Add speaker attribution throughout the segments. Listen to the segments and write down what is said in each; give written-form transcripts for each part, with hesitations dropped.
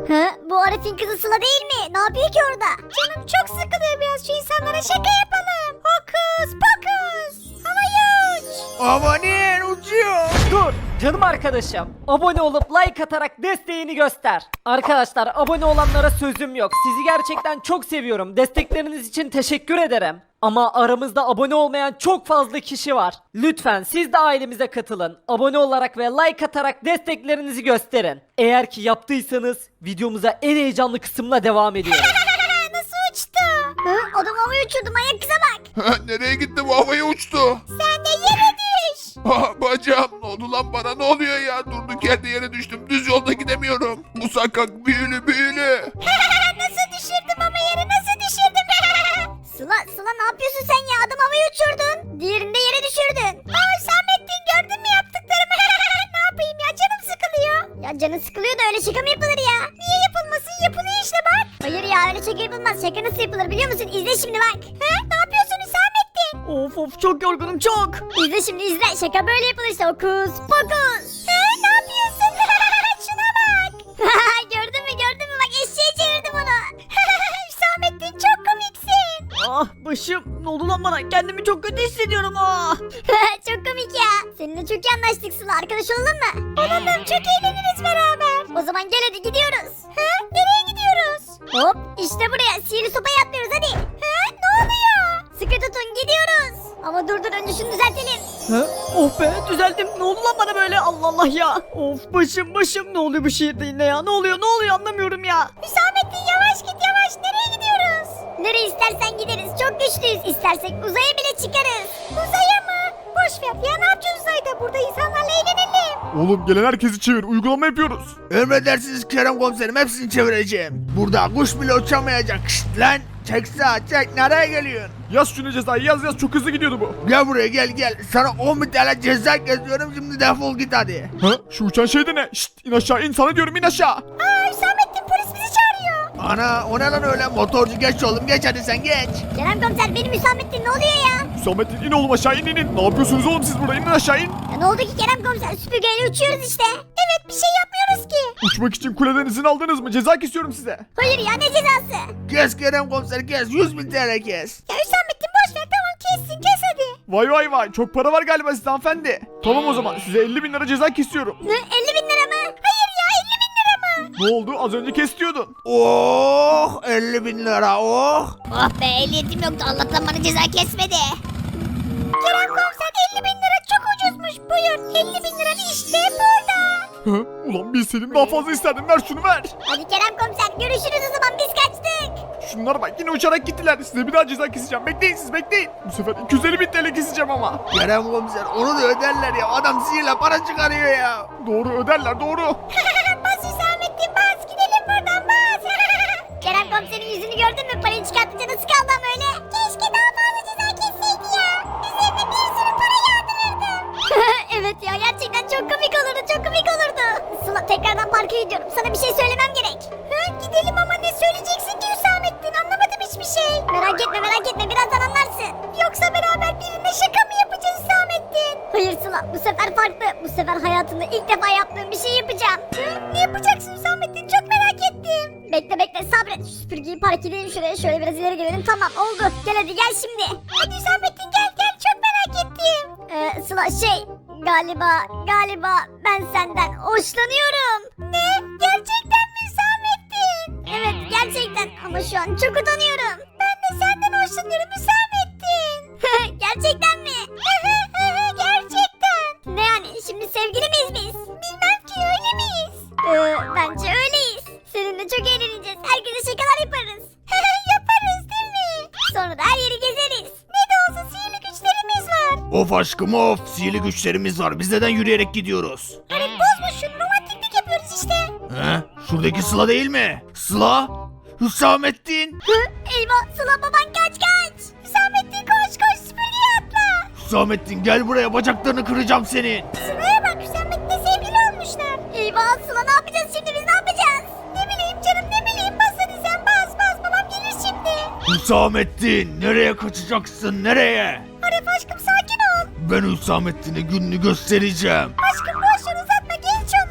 Speaker 1: Hı? Bu Arif'in kızı Sıla değil mi? Ne yapıyor ki orada? Canım çok sıkılıyor, biraz şu insanlara şaka yapalım. Hokus pokus. Havaya uç.
Speaker 2: Amanın uçuyor.
Speaker 3: Dur canım arkadaşım. Abone olup like atarak desteğini göster. Arkadaşlar abone olanlara sözüm yok. Sizi gerçekten çok seviyorum. Destekleriniz için teşekkür ederim. Ama aramızda abone olmayan çok fazla kişi var. Lütfen siz de ailemize katılın. Abone olarak ve like atarak desteklerinizi gösterin. Eğer ki yaptıysanız videomuza en heyecanlı kısımla devam ediyoruz.
Speaker 1: Nasıl uçtu? Hı? Adam havaya uçurdu, manyak kıza bak.
Speaker 2: Nereye gitti bu, havaya uçtu?
Speaker 1: Sen de yere düş.
Speaker 2: Bacağım ne oldu lan, bana ne oluyor ya? Durduk yerde yere düştüm, düz yolda gidemiyorum. Bu sakak büyülü büyülü.
Speaker 1: Nasıl düşürdüm ama yere nasıl düşürdüm? Sıla ne yapıyorsun sen ya? Adam havaya uçurdun. Diğerinde yere düşürdün. Aa Hüsamettin, gördün mü yaptıklarımı? Ne yapayım ya, canım sıkılıyor. Ya canın sıkılıyor da öyle şaka mı yapılır ya? Niye yapılmasın, yapılıyor işte bak. Hayır ya, öyle şaka yapılmaz. Şaka nasıl yapılır biliyor musun? İzle şimdi bak. He? Ne yapıyorsun Hüsamettin?
Speaker 3: Of çok yorgunum çok.
Speaker 1: İzle şimdi izle. Şaka böyle yapılır işte. Hokus pokus. He? Ne yapıyorsun? Şuna bak. gördün mü? Bak eşeğe çevirdim onu. Hüsamettin çok komiksin.
Speaker 3: Ah başım ne oldu lan bana? Kendimi çok kötü hissediyorum
Speaker 1: Çok komik ya. Seninle çok iyi anlaştık Sıla. Arkadaş olalım mı? Olalım. Çok eğleniriz beraber. O zaman gel hadi gidiyoruz. Nereye gidiyoruz? Hop işte buraya. Sihirli sopaya atlıyoruz hadi. Ne oluyor? Sıkı tutun gidiyoruz. Ama dur önce şunu düzeltelim.
Speaker 3: Oh be düzeldim. Ne oldu lan bana böyle? Allah Allah ya. Of başım ne oluyor bu şehirde yine ya? Ne oluyor anlamıyorum ya.
Speaker 1: Hüsamettin yavaş git yavaş. Nereye gidiyoruz? Nereye istersen gideriz. Çok güçlüyüz. İstersek uzaya bile çıkarız. Uzaya mı? Boş ver ya, ne yapacağız uzayda? Burada insanlarla eğlenelim.
Speaker 4: Oğlum gelen herkesi çevir, uygulama yapıyoruz.
Speaker 2: Emredersiniz Kerem komiserim, hepsini çevireceğim. Burada kuş bile uçamayacak. Şşt lan, çek sağa çek, nereye geliyorsun?
Speaker 4: Yaz şunu cezayı, yaz çok hızlı gidiyordu bu.
Speaker 2: Gel buraya gel. Sana 10.000 TL ceza kesiyorum, şimdi defol git hadi.
Speaker 4: Ha? Şu uçan şey de ne? Şşt in aşağı, in sana diyorum, in aşağı.
Speaker 1: Aa Hüsamettin, polis bizi çağırıyor.
Speaker 2: Ana o ne lan öyle, motorcu geç oğlum, geç hadi sen geç.
Speaker 1: Kerem komiser, benim Hüsamettin, ne oluyor ya?
Speaker 4: Hüsamettin in oğlum aşağı, in. Ne yapıyorsunuz oğlum siz burada, inin aşağı in.
Speaker 1: Ya ne oldu ki Kerem komiser? Süpürgeyle uçuyoruz işte. Evet, bir şey yapmıyoruz ki.
Speaker 4: Uçmak için kuleden izin aldınız mı? Ceza kesiyorum size.
Speaker 1: Hayır ya, ne cezası?
Speaker 2: Kes Kerem komiser kes, 100.000 TL kes.
Speaker 1: Ya Hüsamettin boş ver, tamam kessin, kes hadi.
Speaker 4: Vay çok para var galiba sizde hanımefendi. Tamam o zaman size 50.000 lira ceza kesiyorum.
Speaker 1: Ne, 50.000 lira mı? Hayır ya, 50.000 lira mı?
Speaker 4: Ne oldu, az önce kes diyordun.
Speaker 2: Oh 50.000 lira oh.
Speaker 1: Oh be, ehliyetim yoktu, Allah'tan bana ceza kesmedi. Kerem komiser, 50.000 lira çok ucuzmuş, buyur. 50.000 lira işte burada.
Speaker 4: Hı? Ulan bilseydim daha fazla isterdim, ver şunu ver.
Speaker 1: Hadi Kerem komiser, görüşürüz o zaman, biz kaçtık.
Speaker 4: Şunlara bak yine uçarak gittiler, size bir daha ceza keseceğim, bekleyin siz bekleyin. Bu sefer 250.000 TL keseceğim ama.
Speaker 2: Kerem komiser onu da öderler ya, adam sihirle para çıkarıyor ya.
Speaker 4: Doğru öderler doğru.
Speaker 1: Bas Hüsamettin, bas, gidelim buradan, bas. Kerem komiserin yüzünü gördün mü? Parayı çıkartınca nasıl kaldı ama öyle? Keşke daha fazla ceza kesseydi ya. Üzerine bir sürü para yağdırırdım. Evet ya, gerçekten çok komik olurdu, çok komik olurdu. Sıla, tekrardan parka gidiyorum. Sana bir şey söylemem gerek. Gidelim ama ne söyleyeceksin ki Hüsamettin? Anlamadım hiçbir şey. Merak etme, birazdan anlarsın. Yoksa beraber birine şaka mı yapacağız Hüsamettin? Hayır Sıla, bu sefer farklı. Bu sefer hayatımda ilk defa yaptığım bir şey yapacağım. Ne yapacaksın Hüsamettin? Çok merak ettim. Bekle sabret. Şu süpürgeyi park edelim şuraya. Şöyle biraz ileri gelelim. Tamam oldu. Gel hadi gel şimdi. Hadi Hüsamettin gel. Çok merak ettim. Sıla galiba ben senden hoşlanıyorum. Ne? Gerçekten mi Hüsamettin? Evet gerçekten ama şu an çok utanıyorum. Ben de senden hoşlanıyorum Hüsamettin. Gerçekten mi? Gerçekten. Ne yani, şimdi sevgili miyiz biz? Bilmem ki, öyle miyiz? Bence öyleyiz. Seninle çok eğleneceğiz. Herkese şakalar yaparız. Yaparız değil mi? Sonra da her yeri gezeriz. Ne de olsa sihirli güçlerimiz var.
Speaker 2: Of aşkım of, sihirli güçlerimiz var, biz neden yürüyerek gidiyoruz?
Speaker 1: Arif bozma şunu, romantiklik yapıyoruz işte.
Speaker 2: He? Şuradaki Sıla değil mi? Sıla? Hüsamettin?
Speaker 1: Eyvah, Sıla baban kaç. Hüsamettin koş süpürgeye atla.
Speaker 2: Hüsamettin gel buraya, bacaklarını kıracağım senin.
Speaker 1: Sıla'ya bak, Hüsamettin'le sevgili olmuşlar. Eyvah Sıla, ne yapacağız şimdi, biz ne yapacağız? Ne bileyim canım, ne bileyim, bas hadi sen bas, babam gelir şimdi.
Speaker 2: Hüsamettin nereye kaçacaksın, nereye?
Speaker 1: Arif aşkım sakin ol.
Speaker 2: Ben Hüsamettin'e gününü göstereceğim.
Speaker 1: Aşkım boş ver, uzatma, genç onlar.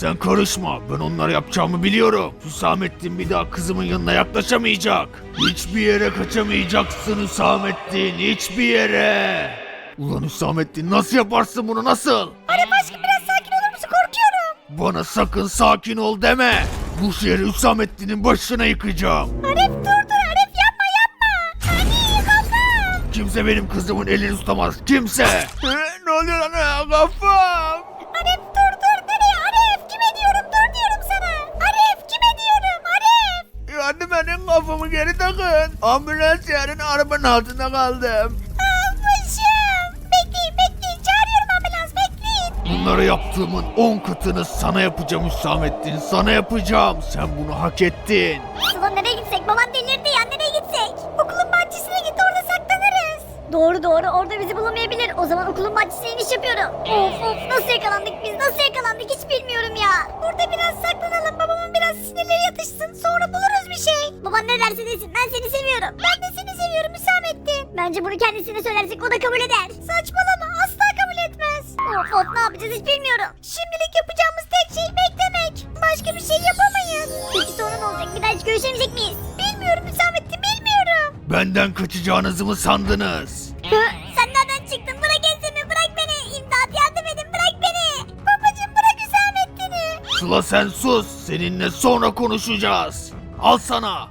Speaker 2: Sen karışma. Ben onlara yapacağımı biliyorum. Hüsamettin bir daha kızımın yanına yaklaşamayacak. Hiçbir yere kaçamayacaksın Hüsamettin. Hiçbir yere. Ulan Hüsamettin nasıl yaparsın bunu nasıl?
Speaker 1: Arif aşkım biraz sakin olur musun? Korkuyorum.
Speaker 2: Bana sakın sakin ol deme. Bu şehri Hüsamettin'in başına yıkacağım.
Speaker 1: Arif dur Arif yapma. Hadi kafam.
Speaker 2: Kimse benim kızımın elini tutamaz. Kimse. Ne oluyor lan kafam?
Speaker 1: Arif dur nereye Arif? Kime diyorum dur diyorum sana. Arif kime diyorum Arif?
Speaker 2: Yani benim kafamı geri takın. Ambulans yarın arabanın altında kaldım.
Speaker 1: Başım. Bekleyin çağırıyorum ambulans bekleyin.
Speaker 2: Bunları yaptığımın 10 katını sana yapacağım Hüsamettin. Sana yapacağım. Sen bunu hak ettin.
Speaker 1: Sıla nereye gitsek? Baban delirdi ya nereye gitsek? Okulun bahçesine git orada saklanırız. Doğru orada bizi bulamayabilir. O zaman okulun bahçesine iniş yapıyorum. Of nasıl yakalandık biz hiç bilmiyorum ya. Burada biraz saklanalım babamın biraz sinirleri yatışsın sonra buluruz bir şey. Baban ne derse desin ben seni seviyorum. Ben de seni seviyorum Hüsamettin. Bence bunu kendisine söylersek o da kabul eder. Saçmalama asla kabul etmez. Of ne yapacağız hiç bilmiyorum. Şimdilik yapacağımız tek şey beklemek. Başka bir şey yapamayız. Peki sonra ne olacak bir daha hiç görüşemeyecek miyiz? Bilmiyorum Hüsamettin bilmiyorum.
Speaker 2: Benden kaçacağınızı mı sandınız?
Speaker 1: Sen nereden çıktın? Bırak ensemi bırak beni. İmdat yardım edin bırak beni. Babacım bırak Hüsamettin'i.
Speaker 2: Sıla sen sus. Seninle sonra konuşacağız. Al sana.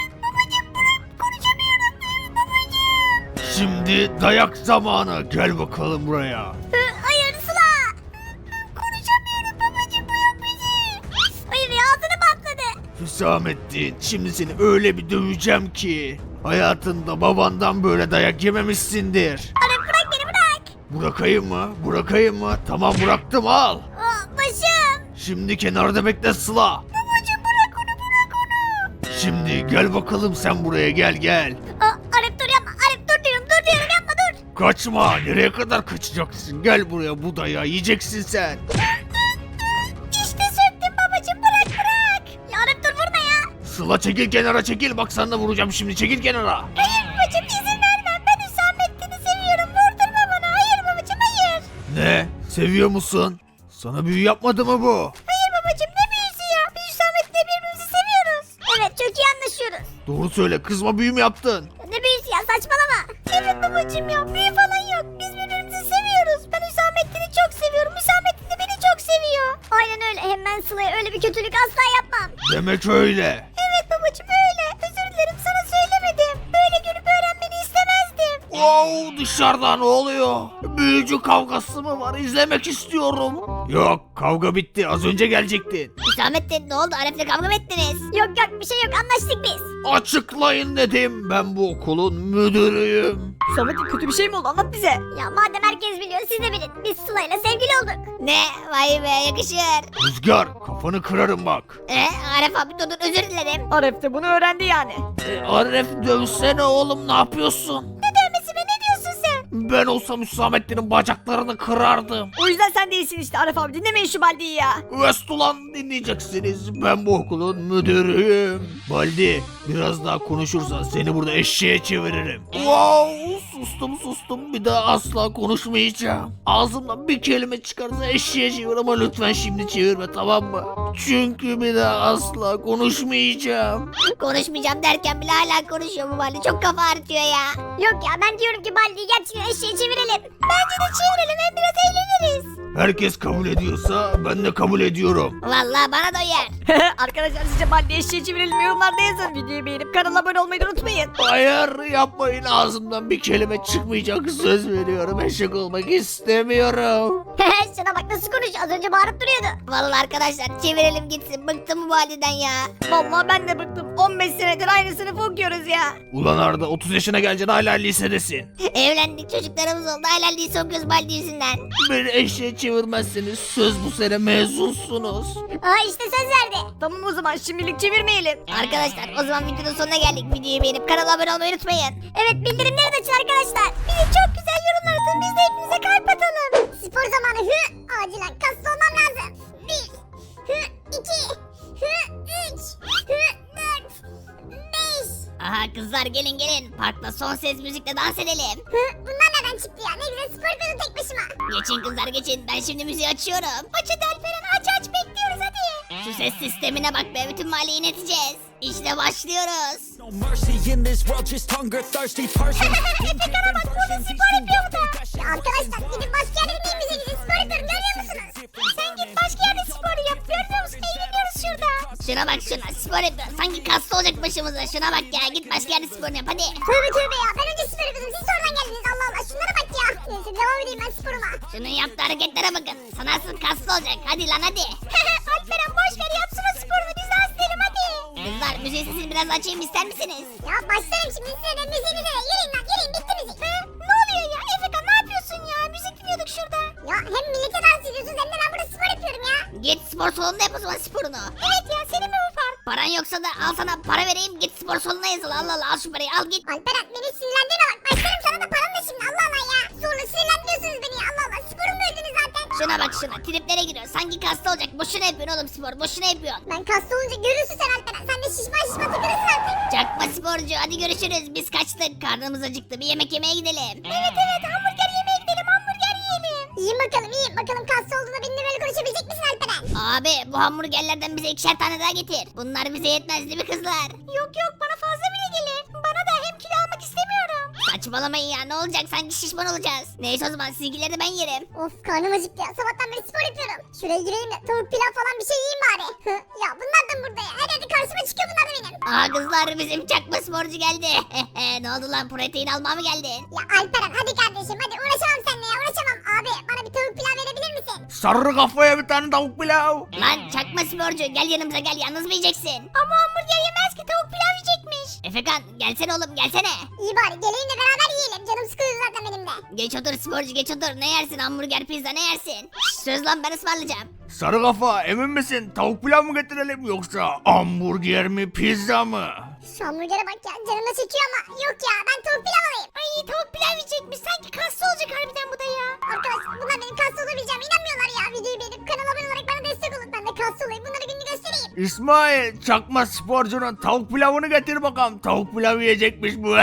Speaker 1: Konuşamıyorum babacım.
Speaker 2: Şimdi dayak zamanı. Gel bakalım buraya.
Speaker 1: Hayır Sıla. Konuşamıyorum babacım bırak bizi. Hayır ya ağzını patladı.
Speaker 2: Hüsamettin şimdi seni öyle bir döveceğim ki. Hayatında babandan böyle dayak yememişsindir.
Speaker 1: Arif bırak beni bırak.
Speaker 2: Bırakayım mı? Bırakayım mı? Tamam bıraktım al.
Speaker 1: Başım.
Speaker 2: Şimdi kenarda bekle Sıla.
Speaker 1: Babacım bırak onu.
Speaker 2: Şimdi gel bakalım sen buraya gel.
Speaker 1: Arif dur yapma. Arif dur diyorum yapma dur.
Speaker 2: Kaçma. Nereye kadar kaçacaksın? Gel buraya bu dayağı yiyeceksin sen.
Speaker 1: İşte söktüm babacım bırak. Ya Arif dur vurma ya.
Speaker 2: Sıla çekil kenara çekil. Bak sana da vuracağım şimdi çekil kenara.
Speaker 1: Hayır babacım izin vermem. Ben Hüsamettin'i seviyorum. Vurdurma bana. Hayır babacım hayır.
Speaker 2: Ne? Seviyor musun? Sana büyü yapmadı mı bu?
Speaker 1: Hayır babacım ne büyüsü ya. Biz Hüsamettin'le birbirimizi seviyoruz. Evet çok iyi anlaşıyoruz.
Speaker 2: Doğru söyle kızma büyü mü yaptın?
Speaker 1: Ne büyüsü ya saçmalama. Evet babacım ya büyü falan yok. Biz birbirimizi seviyoruz. Ben Hüsamettin'i çok seviyorum. Hüsamettin de beni çok seviyor. Aynen öyle. Hem ben Sıla'ya öyle bir kötülük asla yapmam.
Speaker 2: Demek öyle.
Speaker 1: Evet babacım öyle. Özür dilerim sana söylemedim. Böyle görüp öğrenmeni istemezdim.
Speaker 2: Wow dışarıda ne oluyor? Büyücü kavgası mı var? İzlemek istiyorum. Yok kavga bitti az önce gelecektin.
Speaker 1: Hüsamettin ne oldu? Arif'le kavga mı ettiniz? Yok bir şey yok anlaştık biz.
Speaker 2: Açıklayın dedim ben bu okulun müdürüyüm.
Speaker 3: Samet'in kötü bir şey mi oldu anlat bize.
Speaker 1: Ya madem herkes biliyor siz de bilin. Biz Sıla'yla sevgili olduk. Ne? Vay be yakışır.
Speaker 2: Rüzgar kafanı kırarım bak.
Speaker 1: Arif abi dur özür dilerim.
Speaker 3: Arif de bunu öğrendi yani.
Speaker 2: Arif dövsene oğlum ne yapıyorsun?
Speaker 1: Ne dövmesi be ne diyorsun sen?
Speaker 2: Ben olsam Hüsamettin'in bacaklarını kırardım.
Speaker 3: O yüzden sen değilsin işte Arif abi dinlemeyin şu Baldi'yi ya.
Speaker 2: Vestulan dinleyeceksiniz. Ben bu okulun müdürüyüm. Baldi biraz daha konuşursan seni burada eşeğe çeviririm. Wow sustum bir daha asla konuşmayacağım. Ağzımdan bir kelime çıkarsa eşeğe çevir ama lütfen şimdi çevirme tamam mı? Çünkü bir daha asla konuşmayacağım.
Speaker 1: Konuşmayacağım derken bile hala konuşuyor bu Baldi. Çok kafa ağrıtıyor ya. Yok ya ben diyorum ki Baldi'yi gerçekten eşeğe çevirelim. Bence de çevirelim hem biraz eğleniriz.
Speaker 2: Herkes kabul ediyorsa ben de kabul ediyorum.
Speaker 1: Vallahi bana da uyar.
Speaker 3: Arkadaşlar sizce Baldi'yi eşeğe çevirelim yorumlarda yazın. Videoyu beğenip kanala abone olmayı da unutmayın.
Speaker 2: Hayır yapmayın ağzımdan bir kelime çıkmayacak söz veriyorum eşek olmak istemiyorum.
Speaker 1: Şuna bak nasıl konuşuyor az önce bağırıp duruyordu. Vallahi arkadaşlar çevirelim gitsin bıktım bu Baldi'den ya.
Speaker 3: Vallahi ben de bıktım. 15 senedir aynı sınıfı okuyoruz ya.
Speaker 2: Ulan Arda 30 yaşına geleceksin hala lisedesin.
Speaker 1: Evlendik çocuklarımız oldu hala lise okuyoruz Baldi yüzünden.
Speaker 2: Beni eşeğe çevirmezseniz söz bu sene mezunsunuz.
Speaker 1: İşte söz verdi.
Speaker 3: Tamam o zaman şimdilik çevirmeyelim.
Speaker 1: Arkadaşlar o zaman videonun sonuna geldik. Videoyu beğenip kanala abone olmayı unutmayın. Evet bildirimleri de açın arkadaşlar. Bir de çok güzel yorumlar atın biz de hepinize kalp atalım. Spor zamanı acilen kaslı olmam lazım. 1 2 3 4 5. Aha kızlar gelin parkta son ses müzikle dans edelim. Bunlar nereden çıktı ya ne güzel spor yapıyordum tek başıma. Geçin kızlar geçin ben şimdi müziği açıyorum. Aç hadi Alperen aç bekliyoruz hadi. Şu ses sistemine bak be, bütün mahalleyi inleteceğiz. İşte başlıyoruz.
Speaker 5: No mercy in this world, just hunger thirsty persons.
Speaker 1: Efekan'a bak, burada spor yapıyor bu da. Ya arkadaşlar, gidip başka yerde gideyim, bize gidin spor yapıyorum, görüyor musunuz? Sen git başka yerde spor yap, görmüyor musun? Eğleniyoruz şurada. Şuna bak şuna, spor yapıyor. Sanki kaslı olacak başımıza. Şuna bak ya, git başka yerde spor yap hadi. Tövbe tövbe ya, ben önce spor yapıyordum, siz sonradan geldiniz. Allah Allah, şunlara bak ya. Neyse, devam edeyim ben sporuma. Şunun yaptığı hareketlere bakın. Sanarsın kaslı olacak, hadi lan hadi. Alperen boş ver, yapsın o sporunu, biz dans edelim hadi. Kızlar, müziği sesini biraz açayım ister misiniz? Ya başlarım şimdi size de müziğinize. Yürüyün lan, yürüyün, bitti müzik. Ne oluyor ya Efekan, ne yapıyorsun ya? Müzik dinliyorduk şurada. Ya hem millete dans ediyorsunuz hem de ben burada spor yapıyorum ya. Git spor salonunda yap o zaman sporunu. Evet ya, senin mi bu fark? Paran yoksa da al sana para vereyim, git spor salonuna yazıl. Allah Allah, al şu parayı, al git. Alperen, beni sinirlendirme bak, başlarım sana da param da şimdi. Allah Allah ya. Sonra sinirlendiriyorsunuz beni ya. Allah Allah, sporumu böldünüz zaten. Şuna bak şuna, triplere giriyor. Sanki kaslı olacak. Boşuna yapıyorsun oğlum spor, boşuna yapıyorsun. Ben kaslı olunca görürsün sen Alperen. Sen de şişman takılırsın artık. Çakma sporcu, hadi görüşürüz. Biz kaçtık, karnımız acıktı. Bir yemek yemeye gidelim. Evet hamburger yemeye gidelim, hamburger yiyelim. Yiyin bakalım, yiyin bakalım, kaslı olduğunda benimle böyle konuşabilecek misin Alperen? Abi, bu hamburgerlerden bize 2'şer tane daha getir. Bunlar bize yetmez değil mi kızlar? Yok bana fazla bile gelir. Bana da, hem kilo almak istemiyorum. Saçmalamayın ya, ne olacak, sanki şişman olacağız. Neyse o zaman, sizinkileri de ben yerim. Of, karnım acıktı ya, sabahtan beri spor yapıyorum. Şuraya gireyim de tavuk pilav falan bir şey yiyeyim bari. Ya bunlar da burada ya, hadi karşıma çıkıyor bunlar da benim. Aa kızlar, bizim çakma sporcu geldi. Ne oldu lan, protein almaya mı geldin? Ya Alperen, hadi kardeşim, hadi uğraşamam seninle ya, uğraşamam. Abi, bana bir tavuk pilav verebilir misin?
Speaker 2: Sarı kafaya bir tane tavuk pilav.
Speaker 1: Lan çakma sporcu, gel yanımıza gel, yalnız mı yiyeceksin? Ama hamburger yemez ki, tavuk pilav yiyecekmiş. Efekan, gelsene oğlum, gelsene. İyi bari, geleyim de beraber yiyelim, canım sıkılıyor zaten benim de. Geç otur sporcu, geç otur. Ne yersin, hamburger, pizza ne yersin? Şşş, söz lan, ben ısmarlayacağım.
Speaker 2: Sarı kafa, emin misin? Tavuk pilav mı getirelim yoksa hamburger mi, pizza mı?
Speaker 1: Şu hamburgere bak ya, canım da çekiyor ama yok ya, ben tavuk pilav alayım. Ay, tavuk pilav yiyecekmiş, sanki kaslı olacak harbiden bu da ya. Arkadaşlar, bunlar benim kaslı olabileceğime inanmıyorlar ya. Videoyu beğenip kanala abone olarak bana destek olun, ben de kaslı olayım, bunları gününü göstereyim.
Speaker 2: İsmail, çakma sporcunun tavuk pilavını getir bakalım. Tavuk pilav yiyecekmiş bu.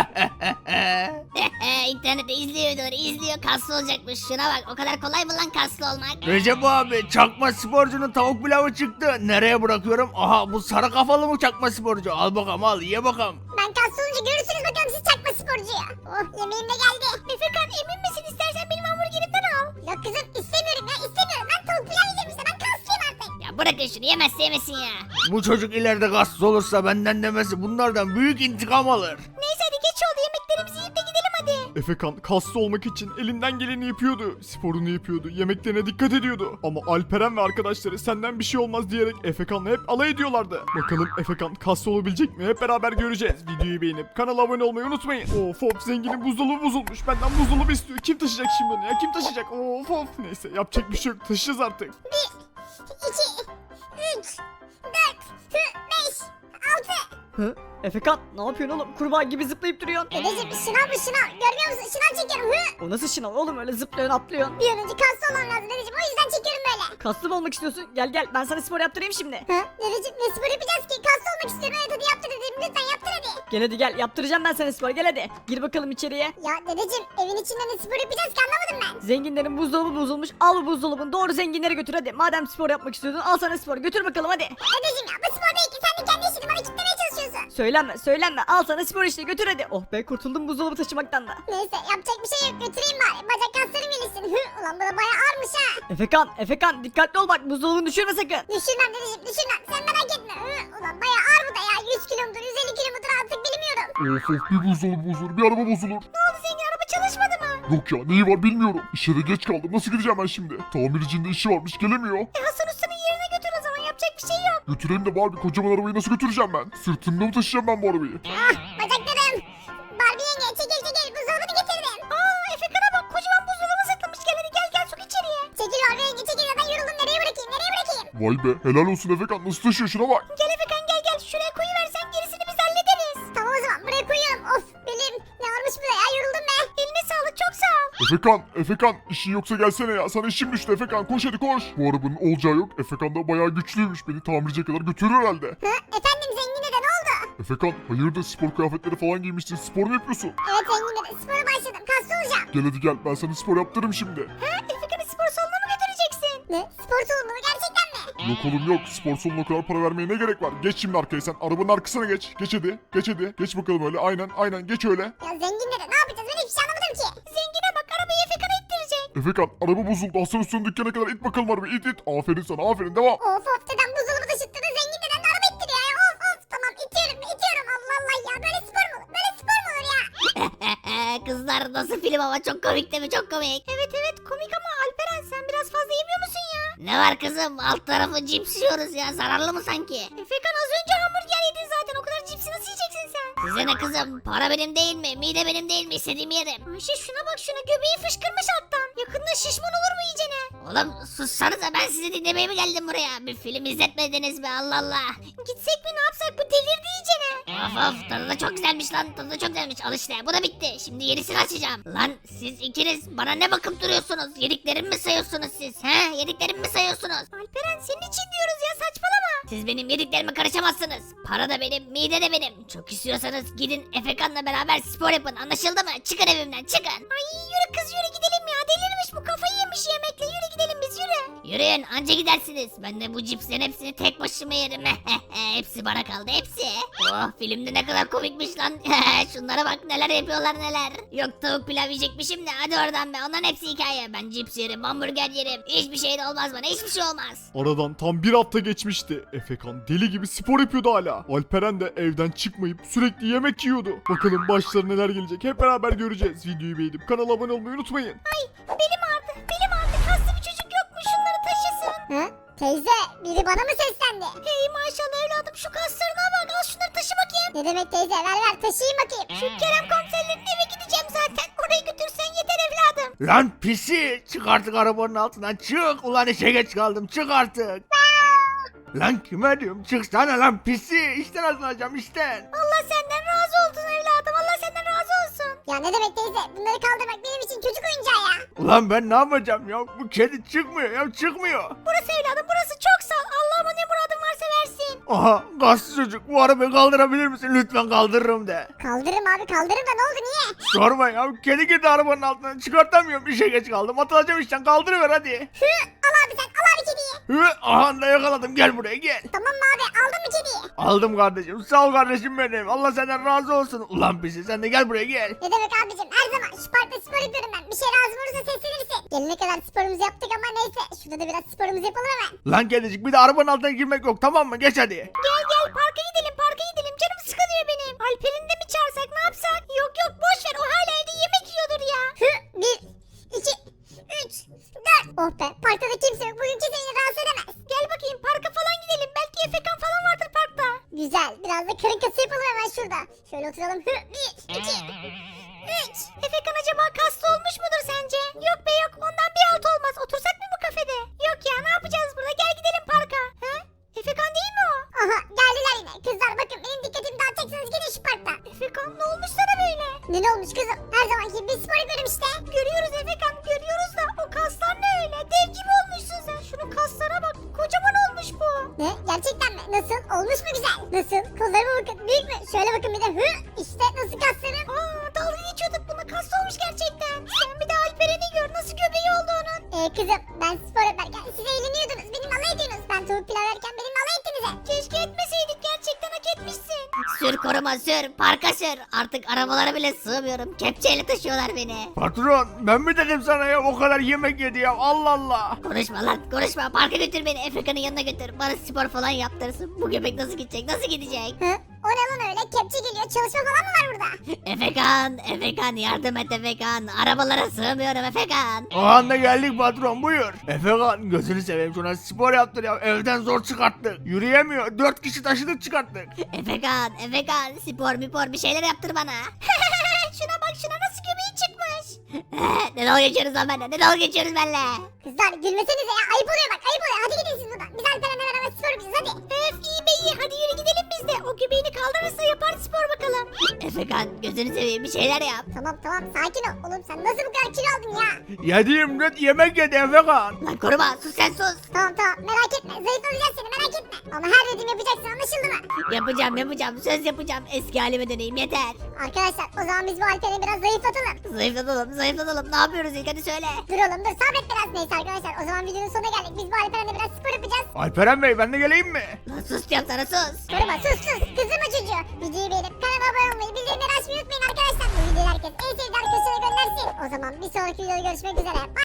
Speaker 1: İnternette izliyor, kaslı olacakmış. Şuna bak, o kadar kolay mı lan kaslı olmak?
Speaker 2: Recep abi, çakma sporcunun tavuk pilavı çıktı. Nereye bırakıyorum? Aha, bu sarı kafalı mı çakma sporcu? Al bakalım, al ye bakalım.
Speaker 1: Ben kaslı olunca görürsünüz bakalım siz çakma sporcuya. Oh, yemeğim de geldi. Efekan, emin misin? İstersen benim hamburgerimden al. Ya kızım, istemiyorum ya, istemiyorum. Ben tavuk pilav yiyeceğim işte, ben kaslıyım artık. Ya bırakın şunu, yemezse yemesin ya.
Speaker 2: Bu çocuk ileride kaslı olursa benden demesi bunlardan büyük intikam alır.
Speaker 1: Neyse hadi geç oldu, yemeklerimizi yiyip de gidelim hadi.
Speaker 4: Efekan kaslı olmak için elinden geleni yapıyordu. Sporunu yapıyordu. Yemeklerine dikkat ediyordu. Ama Alperen ve arkadaşları senden bir şey olmaz diyerek Efekan'la hep alay ediyorlardı. Bakalım Efekan kaslı olabilecek mi? Hep beraber göreceğiz. Videoyu beğenip kanala abone olmayı unutmayın. Of, zenginin buzdolabı bozulmuş. Benden buzdolabı istiyor. Kim taşıyacak şimdi onu ya? Kim taşıyacak? Of. Neyse, yapacak bir şey yok. Taşıyacağız artık.
Speaker 1: 1, 2, 3, 4, 5, 6.
Speaker 3: Hı? Efekan, ne yapıyorsun oğlum? Kurbağa gibi zıplayıp duruyorsun.
Speaker 1: Dedeciğim, şınav bu şınav. Görmüyor musun? Şınav çekiyorum.
Speaker 3: O nasıl şınav oğlum, öyle zıplıyorsun atlıyorsun.
Speaker 1: Bir an önce kaslı olmam lazım dedeciğim. O yüzden çekiyorum böyle.
Speaker 3: Kaslı mı olmak istiyorsun? Gel ben sana spor yaptırayım şimdi.
Speaker 1: Dedeciğim, ne spor yapacağız ki? Kaslı olmak istiyorum. Evet hadi yaptır dedeciğim. Lütfen yaptır hadi.
Speaker 3: Gel hadi gel, yaptıracağım ben sana spor, gel hadi. Gir bakalım içeriye.
Speaker 1: Ya dedeciğim, evin içinde ne spor yapacağız ki, anlamadım ben.
Speaker 3: Zenginlerin buzdolabı bozulmuş. Al bu buzdolabını, doğru zenginlere götür hadi. Madem spor yapmak istiyordun, al sana spor, götür bakalım hadi.
Speaker 1: Dedeciğim ya, bu spor değil ki. Sen de kendi işini bana kitlemeye çalışıyorsun.
Speaker 3: Söylenme, al sana spor işte, götür hadi. Oh be, kurtuldum buzdolabı taşımaktan da.
Speaker 1: Neyse, yapacak bir şey yok. Götüreyim bari. Bacak kaslarım gelişsin. Ulan bu da bayağı ağırmış ha.
Speaker 3: Efekan dikkatli ol bak, buzdolabını düşürme sakın.
Speaker 1: Düşürmem dedeciğim, düşürmem. Sen merak etme. Ulan bayağı ağır bu da ya. 100 kilo mudur, 150 kilo mudur artık bilmiyorum.
Speaker 6: Of, bir buzdolabı bozulur, bir araba bozulur.
Speaker 1: Ne oldu zengin, araba çalışmadı mı?
Speaker 6: Yok ya, neyi var bilmiyorum. İşe de geç kaldım, nasıl gideceğim ben şimdi? Tamircinin de işi varmış, gelemiyor.
Speaker 1: Hasan Usta'nın yerine götür o zaman, yapacak bir şey yok.
Speaker 6: Götüreyim de bari, kocaman arabayı nasıl götüreceğim ben? Sırtımda mı taşıyacağım ben bu arabayı?
Speaker 1: Bacaklarım. Barbie yenge, çekil buzdolabını getirdim. Efekan'a bak, kocaman buzdolabı sırtlamış. Gel hadi, gel sok içeriye. Çekil Barbie yenge, çekil, zaten yoruldum. Nereye bırakayım?
Speaker 6: Vay be, helal olsun Efekan, nasıl taşıyor, şuna bak.
Speaker 1: Gel Efekan, gel. Şuraya koyuversen gerisini biz hallederiz. Tamam o zaman, buraya koyuyorum. Of belim, ne ağırmış bu da ya, yoruldum be. Eline sağlık, çok sağ ol.
Speaker 6: Efekan, işin yoksa gelsene ya, sana işim düştü Efekan, koş hadi koş. Bu arabanın olacağı yok, Efekan da bayağı güçlüymüş, beni tamirciye kadar götürür herhalde.
Speaker 1: Efendim zengin dede, ne oldu?
Speaker 6: Efekan, hayırdır, spor kıyafetleri falan giymişsin, spor mu yapıyorsun?
Speaker 1: Evet zengin dede, spora başladım, kaslı olacağım.
Speaker 6: Gel hadi gel, ben sana spor yaptırırım şimdi.
Speaker 1: Efekan'ı spor salonuna mı götüreceksin? Ne? Spor salonu mu, gerçekten mi?
Speaker 6: Yok oğlum yok. Spor salonuna o kadar para vermeye ne gerek var? Geç şimdi arkaya sen. Arabanın arkasına geç. Geç hadi. Geç hadi. Geç bakalım öyle. Aynen geç öyle.
Speaker 1: Ya zengin dede ne yapacağız ben hiçbir şey anlamadım ki. Zengine bak arabayı Efekan'a ittirecek.
Speaker 6: Efekan araba bozuldu. Hasan Usta'nın dükkana kadar it bakalım arabayı. İt. Aferin sana aferin devam.
Speaker 1: Of dedem buzdolabı taşıttırdı zengin dedem de araba ittiriyor ya. Of tamam itiyorum Allah Allah ya böyle spor mu olur? Böyle spor mu olur ya? Kızlar nasıl film ama çok komik değil mi çok komik. Evet komik ama Alperen sen biraz fazla yemiyor musun ya? Ne var kızım alt tarafı cips yiyoruz ya zararlı mı sanki? Efekan az önce hamburger yedin zaten o kadar cipsi nasıl yiyeceksin sen? Size ne kızım para benim değil mi? Mide benim değil mi? İstediğimi yerim. Ayşe şuna bak şuna göbeği fışkırmış alttan. Yakında şişman olur mu iyicene? Oğlum sussanıza ben sizi dinlemeye mi geldim buraya? Bir film izletmediniz mi Allah Allah. Gitsek mi ne yapsak bu delirdi iyicene. Of tadı da çok güzelmiş lan tadı da çok güzelmiş al işte bu da bitti. Şimdi yenisini açacağım. Lan siz ikiniz bana ne bakıp duruyorsunuz? Yediklerimi mi sayıyorsunuz siz? He yediklerimi mi sayıyorsunuz? Alperen senin için diyoruz ya saçmalama. Siz benim yediklerime karışamazsınız. Para da benim mide de benim. Çok istiyorsanız gidin Efekan'la beraber spor yapın anlaşıldı mı? Çıkın evimden çıkın. Ay yürü kız yürü gidelim ya delirmiş bu kafayı yemiş yemekle yürü gidelim biz yürü. Yürüyün anca gidersiniz. Ben de bu cipslerin hepsini tek başıma yerim. Hepsi bana kaldı hepsi. Oh filmde ne kadar komikmiş lan. Şunlara bak neler yapıyorlar neler. Yok tavuk pilav yiyecekmişim de hadi oradan be onların hepsi hikaye. Ben cips yerim hamburger yerim. Hiçbir şey de olmaz bana hiçbir şey olmaz.
Speaker 4: Aradan tam bir hafta geçmişti. Efekan deli gibi spor yapıyordu hala. Alperen de evden çıkmayıp sürekli yemek yiyordu. Bakalım başlarına neler gelecek hep beraber göreceğiz. Videoyu beğenip kanala abone olmayı unutmayın.
Speaker 1: Belim ağrıdı kaslı bir çocuk yok mu şunları taşısın. Hı? Teyze biri bana mı seslendi? Hey maşallah evladım şu kaslarına bak al şunları taşı bakayım. Ne demek teyze ver taşıyayım bakayım. Şu Kerem komiserlerin eve gideceğim zaten oraya götürsen yeter evladım.
Speaker 2: Lan pisi çık artık arabanın altından çık. Ulan işe geç kaldım çık artık. Lan kime diyorum çıksana lan pisi. İşten atılacağım işten.
Speaker 1: Allah senden razı olsun evladım Allah senden razı olsun. Ya ne demek teyze bunları kaldırmak benim için çocuk oyuncağı ya.
Speaker 2: Ulan ben ne yapacağım ya? Bu kedi çıkmıyor ya çıkmıyor.
Speaker 1: Burası evladım burası çok sağ Allah'ıma ne muradın varsa versin.
Speaker 2: Aha gazlı çocuk bu arabayı kaldırabilir misin? Lütfen kaldırırım de.
Speaker 1: Kaldırırım abi kaldırırım da ne oldu niye?
Speaker 2: Sorma ya kedi girdi arabanın altına çıkartamıyorum işe geç kaldım. Atılacağım işten kaldırıver hadi.
Speaker 1: Al abi sen al abi kediyi.
Speaker 2: Aha da yakaladım gel buraya gel.
Speaker 1: Tamam mı abi aldın mı kediyi?
Speaker 2: Aldım kardeşim sağ ol kardeşim benim. Allah senden razı olsun. Ulan pisi sen de gel buraya gel.
Speaker 1: Ne demek abicim her zaman şu parkta spor yapıyorum ben. Bir şey lazım olursa seslenirsin. Gelene kadar sporumuzu yaptık ama neyse. Şurada da biraz sporumuzu yapalım hemen.
Speaker 2: Lan kedicik bir de arabanın altına girmek yok tamam mı? Geç hadi.
Speaker 1: Gel parka gidelim canım sıkılıyor benim. Alper'in de mi çağırsak ne yapsak? Yok boş ver o hala evde yemek yiyordur ya. 1, 2, 3, 4. Oh be parkta da kimse yok bugün kimse beni rahatsız edemez. Gel bakayım parka falan gidelim belki Efekan falan vardır parkta. Güzel biraz da karın kası yapalım hemen şurada. Şöyle oturalım. 1, 2, 3. Efekan acaba kaslı olmuş mudur sence? Yok be yok ondan bir alt olmaz. Otursak mı bu kafede? Yok ya ne yapacağız burada? Gel gidelim parka. He? Efekan değil mi o? Aha geldiler yine. Kızlar bakın benim dikkatimi dağıtacaksınız gidin şu parkta. Efekan ne olmuş sana böyle? Ne olmuş kızım? Her zamanki gibi bir spor yapıyorum işte. Görüyoruz Efekan görüyoruz da o kaslar ne öyle? Dev gibi olmuşsun sen. Şunun kaslara bak kocaman olmuş bu. Ne? Gerçekten mi? Nasıl? Olmuş mu güzel? Nasıl? Kollarıma bakın büyük mü? Şöyle bakın bir de işte nasıl kaslarım? Dalga geçiyorduk buna kas olmuş gerçekten. Sen bir de Alperen'i gör nasıl göbeği oldu onun. Kızım ben spor yaparken siz eğleniyordunuz. Benim alay ediyorsunuz. Ben tavuk pilav yerken benim alay ettiniz. Keşke etmeseydik gerçekten hak etmişsin. Sür koruma sür parka sür. Artık arabalara bile sığmıyorum. Kepçeyle taşıyorlar beni.
Speaker 2: Patron ben mi dedim sana ya o kadar yemek yedi ya Allah Allah.
Speaker 1: Konuşma lan konuşma. Parka götür beni. Efekan'ın yanına götür. Bana spor falan yaptırsın. Bu göbek nasıl gidecek? Nasıl gidecek? O ne lan öyle? Kepçe geliyor. Çalışma falan mı var burada? Efekan yardım et Efekan. Arabalara sığmıyorum Efekan.
Speaker 2: O anda geldik patron buyur. Efekan gözünü seveyim şuna spor yaptır ya evden zor çıkarttık. Yürüyemiyor 4 kişi taşıdık çıkarttık.
Speaker 1: Efekan spor bir şeyler yaptır bana. Şuna bak şuna nasıl göbeği çıkmış. Ne dalga geçiyoruz lan benimle? Ne dalga geçiyoruz benimle? Kızlar gülmesenize ya ayıp oluyor bak ayıp oluyor. Hadi gidin siz buradan. Biz Alperen'le beraber spor yapacağız hadi. İyi be iyi hadi yürü gidelim biz de. O göbeğini kaldırırsa yapar spor bakalım. Efekan gözünü seveyim bir şeyler yap. Tamam sakin ol. Oğlum sen nasıl bu kadar kilo aldın ya?
Speaker 2: Yediğim net yemek yedi Efekan.
Speaker 1: Lan koruma sus sen sus. Tamam merak etme zayıflatacağız seni merak etme. Ama her dediğimi yapacaksın, anlaşıldı mı?
Speaker 7: Yapacağım söz yapacağım, eski halime döneyim yeter.
Speaker 1: Arkadaşlar o zaman biz bu Alperen'i biraz zayıflatalım.
Speaker 7: Zayıflatalım, ne yapıyoruz ilk hadi söyle.
Speaker 1: Dur oğlum dur, sabret biraz. Neyse arkadaşlar, o zaman videonun sonuna geldik. Biz bu Alperen'le biraz spor yapacağız.
Speaker 4: Alperen Bey ben de geleyim mi?
Speaker 7: Lan sus diyorum sana, sus.
Speaker 1: Koruma, sus. Kızdırma çocuğu. Videoyu beğenip kanala abone olmayı, bildirimleri açmayı unutmayın arkadaşlar. Bu videoyu herkes en sevdiği arkadaşına göndersin. O zaman bir sonraki videoda görüşmek üzere.